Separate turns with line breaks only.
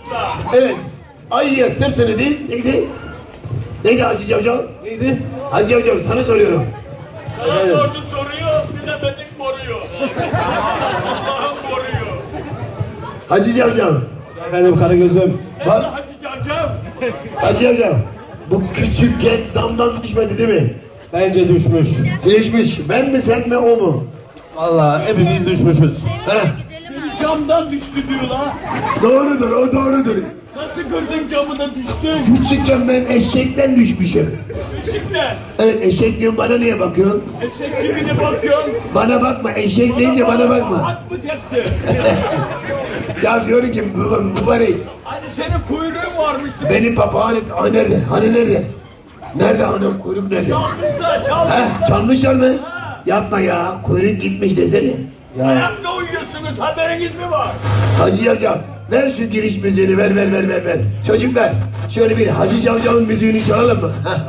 Evet. Ayıya sırtını değil. Neydi? Neydi Hacı Cavcav?
Neydi?
Hacı Cavcav sana soruyorum.
Bana sordu soruyor, bilemedik moruyor. Allah'ım moruyor.
Hacı Cavcav.
Efendim Karagöz'üm.
Bak
Hacı Cavcav.
Hacı Cavcav. Bu küçükken damdan düşmedi değil mi?
Bence düşmüş.
Düşmüş. Ben mi sen mi o mu?
Vallahi hepimiz düşmüşüz.
Heh.
Camdan düştü diyorlar.
Doğrudur, o doğrudur.
Nasıl gördün camına düştün?
Küçükken ben eşekten düşmüşüm.
Işıktan.
Evet, eşek diyorum, bana niye bakıyorsun?
Eşek kimine bakıyorsun?
Bana bakma, eşek deyince bana bakma.
At mı tepti?
Ya diyorum ki mübarek,
Hani senin kuyruğun varmıştı.
benim papağan et. Aa, nerede? Hani nerede? Nerede anam, kuyruk nerede?
Çalmışlar, çalmış.
Heh, çalmışlar mı? Yapma ya, kuyruk gitmiş desene.
Ayakta uyuyorsunuz, haberiniz mi var?
Hacı Cavcav, ver şu giriş müziğini, ver. Çocuklar, şöyle bir Hacı Cavcav'ın müziğini çalalım mı? Heh.